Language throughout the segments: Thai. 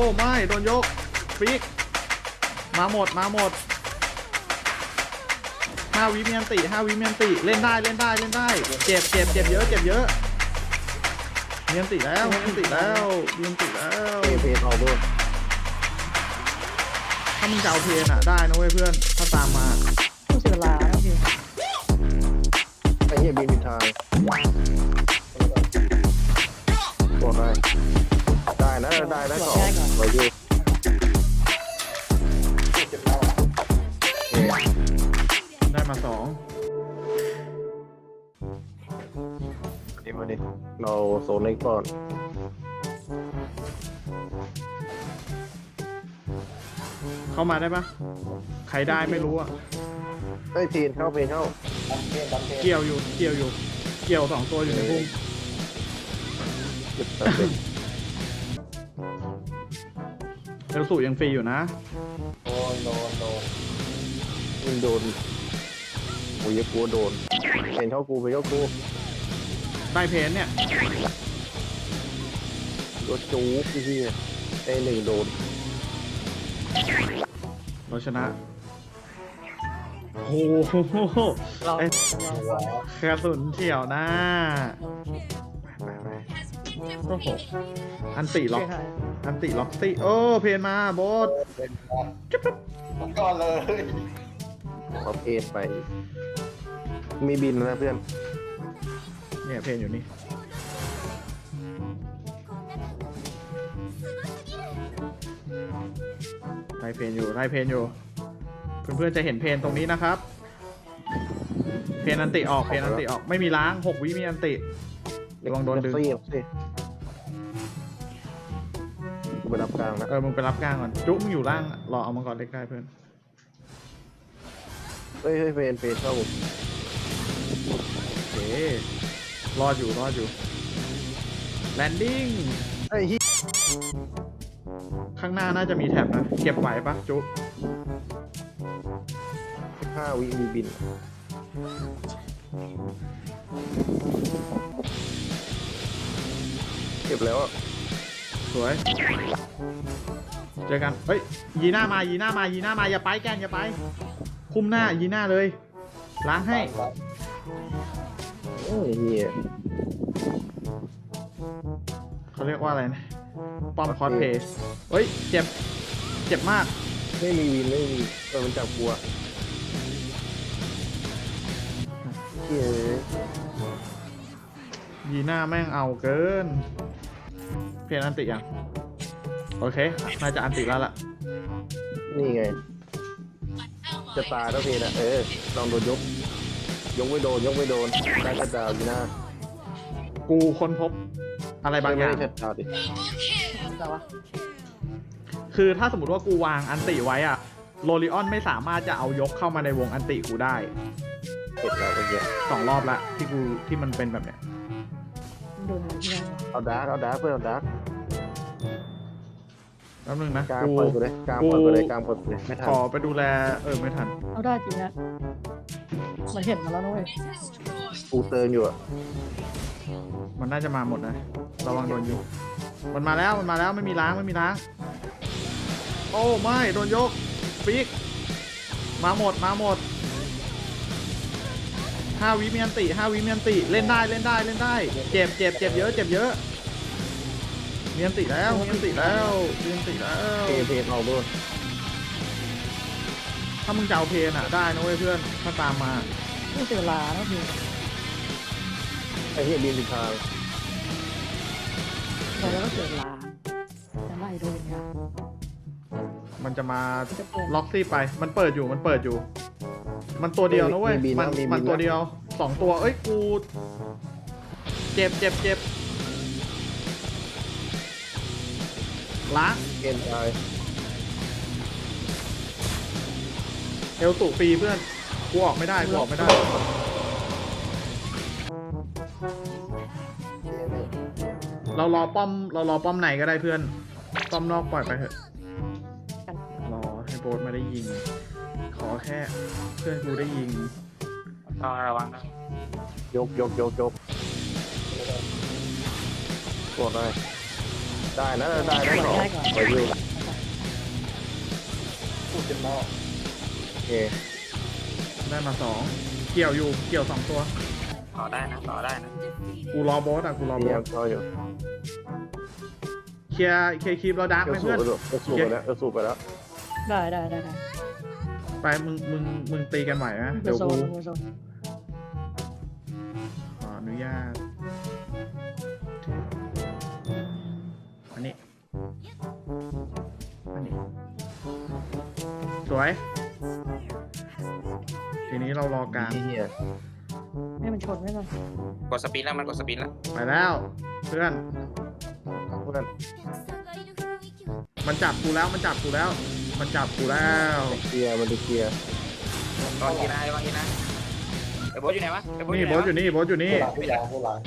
ไม่โดนยกฟิกมาหมด5 วิมีอันติ5 วิมีอันติเล่นได้เจ็บเยอะมีอันติแล้วเพเพเอาด้วยถ้ามึงจะเอาเพนอ่ะได้นะเว้ยเพื่อนถ้าตามมาต้องเสียเวลาแล้วพี่ไอ้เหี้ยบินทางตัวได้นะได้ก่อนไปอยู่ได้มา2 มาดิเราโซนเล็กก่อนเข้ามาได้ปะใครได้ไม่รู้อ่ะเพนเข้าเกี่ยวอยู่เกี่ยว2 ตัวอยู่ในพุ่งเอลสูยังฟรีอยู่นะโดนโอ้ยกลัวโดนเพนเข้ากูได้เพนเนี่ยรถจู๊พี่1โดนเราชนะโอ้โหกระสุนเฉียวนะไปโอ้โหอันติล็อกสิโอ้เพนมาโบสจุ๊บก่อนเลยเอาเพนไปมีบินนะเพื่อนเนี่ยเพนอยู่นี่ไล่เพนอยู่เพื่อนๆจะเห็นเพนตรงนี้นะครับเพนอันติออกไม่มีล้าง6 วิมีอันติระวังโดนดึงกูไปรับกลางนะมึงไปรับกลางก่อนจุ๊บมึงอยู่ล่างรอเอามังกรเล็กได้เพื่อนเฮ้ยเพนเข้าโอเครอดอยู่แลนดิ้งข้างหน้าน่าจะมีแท็บนะเก็บไหวปะจุ๊บ 15 วิมีบินเก็บแล้วสวยเจอกันเฮ้ยยีหน้ามาอย่าไปแกนอย่าไปคุมหน้ายีหน้าเลยล้างให้โอ้ยเหี้ยเขาเรียกว่าอะไรนะป้อมคอสเพย์เฮ้ยเจ็บมากไม่มีวินมันจับกลัวยีหน้าแม่งเอาเกินเพนอันติยังโอเคน่าจะอันติแล้วล่ะนี่ไงจะตายแล้วเพนลองโดนยกไม่โดนได้ชัดดาวยีหน้ากูค้นพบอะไรบางอย่างชัดดาวดิคือถ้าสมมติว่ากูวางอันติไว้อะโรลิออนไม่สามารถจะเอายกเข้ามาในวงอันติกูได้เสร็จแล้วเมื่อกี้ 2 รอบละที่มันเป็นแบบเนี้ยเอาดาร์กเพื่อนเอาดาร์กแป๊บนึงนะกลางเปิดไปเลยไม่ทันขอไปดูแลไม่ทันเอาได้จริงนะมันเห็นมาแล้วนะเว้ยกูเติมอยู่มันน่าจะมาหมดนะระวังโดนยุมันมาแล้วไม่มีล้างโอ้ไม่โดนยกฟิกมาหมด5 วิมีอันติเล่นได้เจ็บเยอะมีอันติแล้วเพนเอาด้วยถ้ามึงจะเอาเพนอ่ะได้นะเว้ยเพื่อนถ้าตามมาต้องเสียเวลาแล้วพี่ไอ้เหี้ยบินทางแล้วก็เสียเวลาจะไล่โดนไงมันจะมาล็อกซี่ไปมันเปิดอยู่มันตัวเดียวนะเว้ยมันตัวเดียว2 ตัวเอ้ยกูเจ็บล้างเอ็นตายเอลตุฟรีเพื่อนกูออกไม่ได้เรารอป้อมไหนก็ได้เพื่อนป้อมนอกปล่อยไปเถอะรอให้โบสมาได้ยิงขอแค่เพื่อนกูได้ยิงระวังนะยกกดได้ได้นะได้นะขอไปอยู่พูดเป็นหม้อโอเคได้มาสองเกี่ยวอยู่เกี่ยวสองตัวต่อได้นะต่อได้นะกูรอโบสอ่ะกูรอโบนี่สยังเขาอยู่เคลียร์คลิปเราดักไหมสูเพื่อนบไปแล้วสูบไปแล้วได้ไปมึงตีกันไหวนะเดี๋เดี๋ยยว วโซกูนโซนขออนุญาตอันนี้สวย ทีนี้เรารอกลางเฮียให้มันชนไม่ก่อนกดสปีดแล้วมันกดสปีดแล้วไปแล้วเพื่อนเพื่อนมันจับกูแล้วมันจับกูแล้ว มันจับกูแล้วเคลียร์มันเคลียร์ตอนกีฬาบางทีนะไอ้โบ๊ทอยู่ไหนวะไอ้โบ๊ทอนี่ยู่ไหนโบสวะอยู่นี่โบสอยู่นี่ผู้หลานผู้หลาน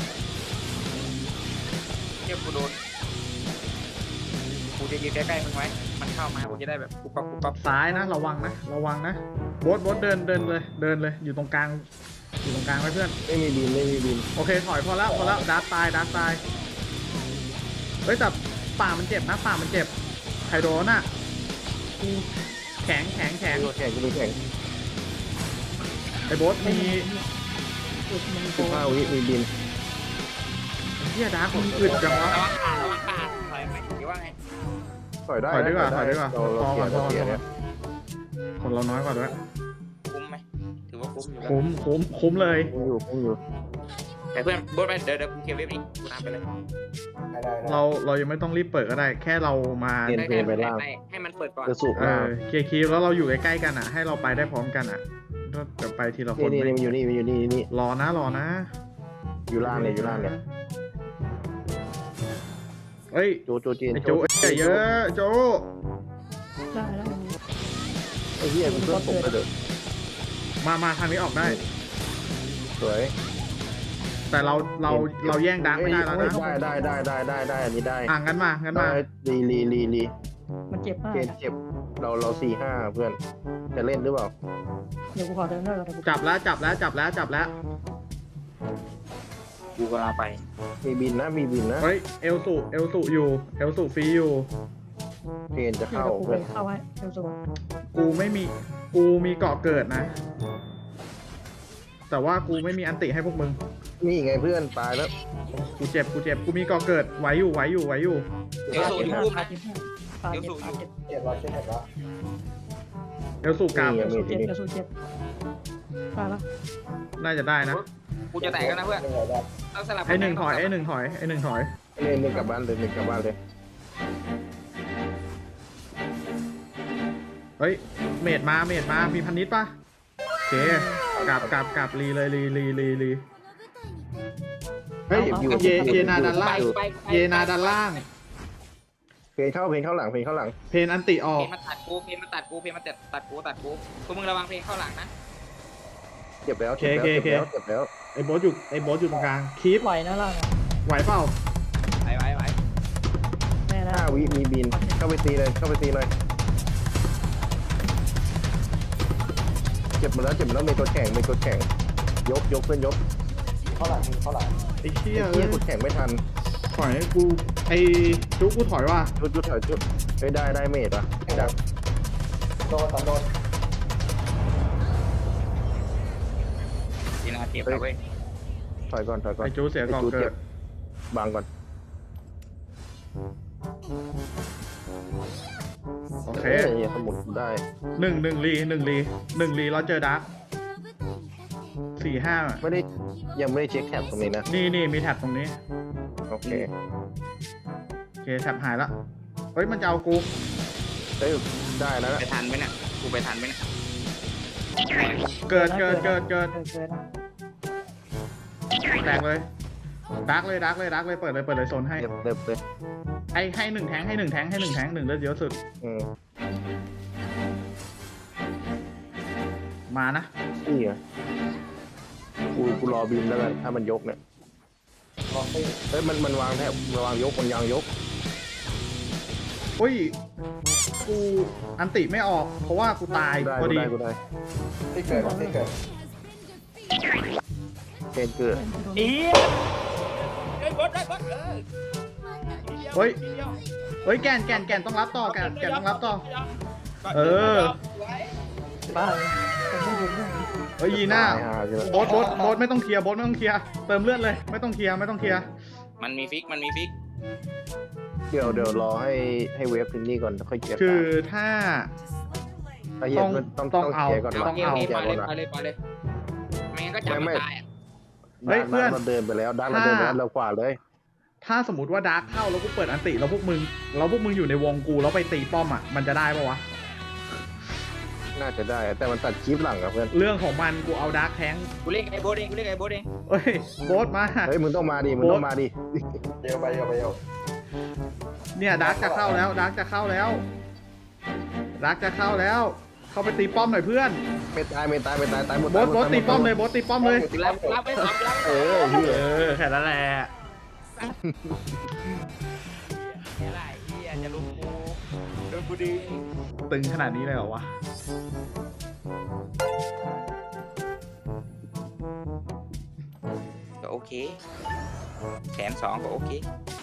เทียบกูโดนกูจะยืนใกล้ๆมึงไว้มันเข้ามากูจะได้แบบปุ๊บปั๊บปุ๊บปั๊บซ้ายนะระวังนะระวังนะโบสเดินเลยอยู่ตรงกลางไว้เพื่อนไม่มีบินไม่มีบินโอเคถอยพอแล้วดาร์กตายเฮ้ยแต่ป่ามันเจ็บนะป่ามันเจ็บไคโดนอ่ะแข็งแข่งก็มีแข่งไอ้โบสมีอุดมันโก 15 วิมีบินเฮียดาร์กมึงอึดจังวะระวังขาดถอยไหมหรือว่าไงถอยได้ถอยดีกว่าเราเกียร์เนี่ยคนเราน้อยกว่าด้วยคุ้มไหมถือว่าคุ้มอยู่แล้วคุ้มเลยคุ้มอยู่แต่เพื่อนโบ๊ทไปเดี๋ยวกูเคลียร์เว็บนี้กูตามไปเลยเรายังไม่ต้องรีบเปิดก็ได้ แค่เรามาให้มันเปิดก่อนจะสูบเคลียร์คีย์แล้วเราอยู่ใกล้ๆกันอ่ะ ให้เราไปได้พร้อมกันอ่ะก็จะไปทีละคนนี่มันอยู่นี่รอนะอยู่ล่างเนี่ยเฮ้ยโจจีนไอ้โจเยอะโจได้ไอ้เหี้ยมันเพิ่มผมไปเด้อมาทางนี้ออกได้สวยแต่เราแย่งดังไม่ได้แล้วนะได้อันนี้ได้งั้นมาลีมันเจ็บมากเจ็บเรา4-5เพื่อนจะเล่นหรือเปล่าเดี๋ยวกูขอเดินหน่อยก่อนจับแล้วกูกำลังไปมีบินนะเฮ้ยเอลสุอยู่เอลสุฟรีอยู่เพนจะเดี๋ยวเข้ากูไปเพื่อนเข้าให้เดี๋ยวโซนกูมีเกาะเกิดนะ แต่ว่ากูไม่มีอันติให้พวกมึงนี่ไงเพื่อนตายแล้วกูเจ็บกูมีเกาะเกิดไหวอยู่เดี๋ยวสูอยู่รูปนะปาเจ็บเดี๋ยวสูอยู่เอลสุกลับเดี๋ยวสูเจ็บปาแล้วน่าจะได้นะกูจะแตกแล้วนะเพื่อนต้องสลับไอ้หนึ่งถอยเล่นกลับบ้านเลยเฮ้ยเมดมามีพันนิดป่ะโอเคกลับรีเลยรี เฮ้ยเยนาด้านล่าง เยนาด้านล่างเพนเข้าหลังเพนอันติออเพกนมาตัดกูเพนมาตัดกูตัวมึงระวังเพนเข้าหลังนะเจ็บแล้วไอ้โบสอยู่ตรงกลางคีปไหวนะล่างไหวเปล่าไปแน่นะ 5 วิมีบินเข้าไปตีเลยเจ็บหมดแล้วมีตัวแข่งยกเพื่อนยกไอ้เชี่ยเฮียกดแข่งไม่ทันถอยให้กูไอ้จุกกูถอยว่ะจุดถอยเฮ้ยได้เมดป่ะจับทีน่าเจ็บแล้วเว้ยถอยก่อนไอ้จูเสียก่อนเกิดบังก่อนโอเคสมุดได้หนึ่งรีเราเจอดัก4-5 ยังไม่ได้เช็คแท็บตรงนี้นะนี่มีแท็บตรงนี้โอเคแท็บหายละเฮ้ยมันจะเอากูเฮ้ยได้แล้วไปทันไหมเนี่ยกูไปทันไหมเนี่ยเกิดนะแตกเลยดักเลยเปิดเลยโซนให้เรียบเลยให้1แทง1เลือดเยอะสุดมานะนี่ไงกูรอบินแล้วกันถ้ามันยกเนี่ยเฮ้ยมันวางแทบวางยกมันยางยกอุ้ยกูอันติไม่ออกเพราะว่ากูตายพอดีกูได้ที่เกิดเพนเกิดเฮ้ยบดเฮ้ย เฮ้ยแกนต้องรับต่อแกนต้องรับต่อ เออบ้าเลยผมไม่เห็นเลยเฮ้ยยีน่าตายห่าใช่ไหมโบ๊ทไม่ต้องเคลียร์โบ๊ทไม่ต้องเคลียร์เติมเลือดเลยไม่ต้องเคลียร์มันมีฟิกเดี๋ยวรอให้เวฟถึงนี่ก่อนแล้วค่อยเก็บคือถ้าไอ้เหี้ยต้องต้องเอาเคลียร์ก่อนต้องวะเอาเคลียร์ไปก่อนวะเลยไม่งั้นก็จับมันตายอ่ะเฮ้ยเพื่อนเราเดินไปแล้วด้านเราเดินไปแล้วเราขวาเลยถ้าสมมติว่าดาร์กเข้าแล้วกูเปิดอันติแล้วพวกมึงอยู่ในวงกูแล้วไปตีป้อมอ่ะมันจะได้ปะวะน่าจะได้แต่มันตัดคลิปหลังอะเพื่อนเรื่องของมันกูเอาดาร์กแทงกูเล่นไอ้โบ๊ทเองเฮ้ยโบ๊ทมาเฮ้ยมึงต้องมาดิมึงต้องมาดิเดี๋ยวไปเนี่ยดาร์กจะเข้าแล้วเข้าไปตีป้อมหน่อยเพื่อนไม่ตายตายหมดโบ๊ทตายหมดตีป้อมเลยโบ๊ทตีป้อมเลยรับไปรับเออเหี้ยแค่นั้นแหละอะไรเฮียจะลุกกูโดนกูดีตึงขนาดนี้เลยเหรอวะก็โอเคแสนสองก็โอเค